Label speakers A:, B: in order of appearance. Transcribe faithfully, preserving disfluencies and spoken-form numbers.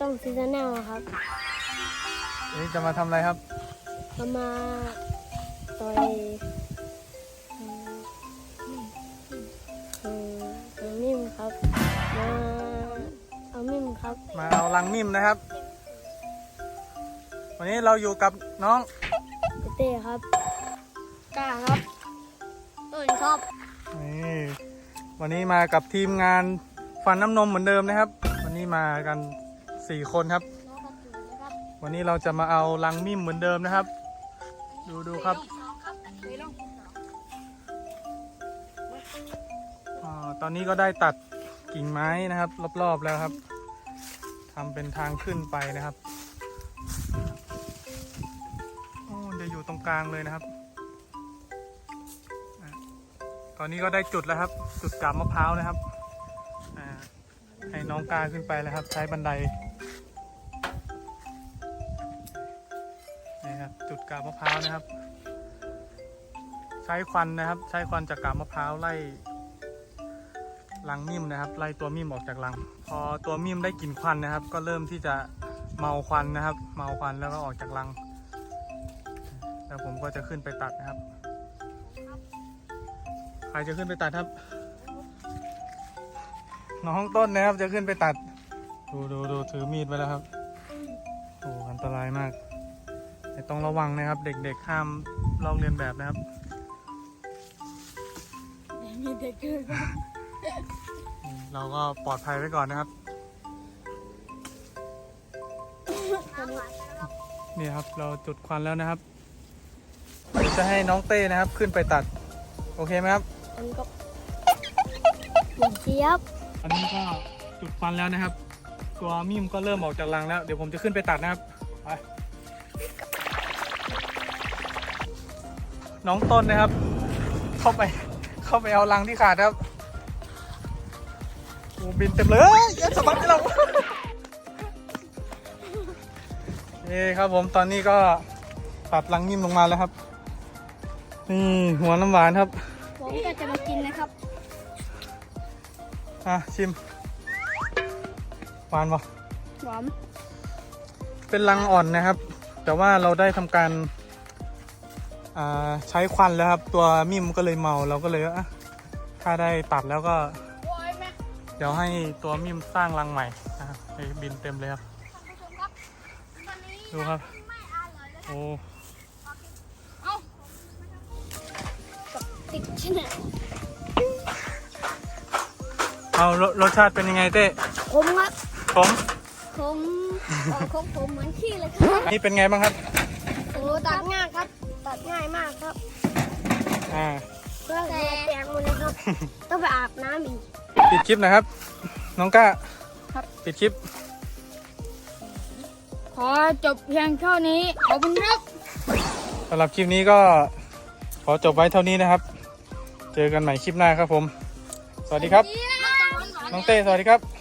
A: องซีซันแนลครับ
B: นี่จะมาทำอะไรครับ
A: จะมาต่อยเอามิ่มครับมาเอามิ่มครับ
B: มาเอาลังมิ่มนะครับวันนี้เราอยู่กับน้อง
A: เต้ครับกล้าครับต้นครับ
B: นี่วันนี้มากับทีมงานฟันน้ำนมเหมือนเดิมนะครับวันนี้มากันสี่คนครับวันนี้เราจะมาเอาลังมิ่มเหมือนเดิมนะครับดูดูครับอ่าตอนนี้ก็ได้ตัดกิ่งไม้นะครับรอบๆแล้วครับทำเป็นทางขึ้นไปนะครับโอ้จะอยู่ตรงกลางเลยนะครับตอนนี้ก็ได้จุดแล้วครับจุดกาบมะพร้าวนะครับให้น้องกาขึ้นไปแล้วครับใช้บันไดนี่ครับจุดกาบมะพร้าวนะครับใช้ควันนะครับใช้ควันจากกาบมะพร้าวไล่รังมิ่มนะครับไล่ตัวมิ่มออกจากรังพอตัวมิ่มได้กลิ่นควันนะครับก็เริ่มที่จะเมาควันนะครับเมาควันแล้วก็ออกจากรังแล้วผมก็จะขึ้นไปตัดนะครับใครจะขึ้นไปตัดครับน้องต้นนะครับจะขึ้นไปตัดดูดูดูถือมีดไปแล้วครับโอ้อันตรายมากแต่ต้องระวังนะครับเด็กๆห้ามลอกเลียนแบบนะครับ
A: มีเด็กเกิน
B: เราก็ปลอดภัยไว้ก่อนนะครับนี่ครับเราจุดควันแล้วนะครับจะให้น้องเต้นะครับขึ้นไปตัดโอเคไหมครับ
A: อันก็เจี๊ยบ
B: อันนี้ก็จุดควันแล้วนะครับตัวมิ่มก็เริ่มออกจากรังแล้วเดี๋ยวผมจะขึ้นไปตัดนะครับไปน้องต้นนะครับเข้าไปเข้าไปเอารังที่ขาดครับโอ้บินเต็มเลยยัดสะบัดให้เรานี่ครับผมตอนนี้ก็ตัดรังมิ่มลงมาแล้วครับนี่หัวน้ำหวานครับ
A: ผมก็จะมากินนะครับ
B: อ่ะชิมหวานปะ
A: หวาน
B: เป็นรังอ่อนนะครับแต่ว่าเราได้ทำการใช้ควันแล้วครับตัวมิ่มก็เลยเมาเราก็เลยอ่ะถ้าได้ตัดแล้วก็เดี๋ยวให้ตัวมิ่มสร้างรังใหม่นะครับให้บินเต็มเลยครับดูครับโอ้
A: ติดชนะ
B: เอารสชาติเป็นยังไงเต้
A: ขมครับ
B: ขม
A: ขมขมขมเหมือนขี้เลยครับ
B: นี่เป็นไงบ้างครับ
A: โอ้ตัดง่ายครับตัดง่ายมากครับ
B: อ่า
A: เพื่อแปลงมันนะครับต้องไปอาบน้ำอีก
B: ปิดคลิปนะครับน้องก้า
A: ครับ
B: ปิดคลิป
A: ขอจบเพียงเท่านี้ขอบคุณครับ
B: สำหรับคลิปนี้ก็ขอจบไว้เท่านี้นะครับเจอกันใหม่คลิปหน้าครับผมสวัสดีครับน้องเต้สวัสดีครับ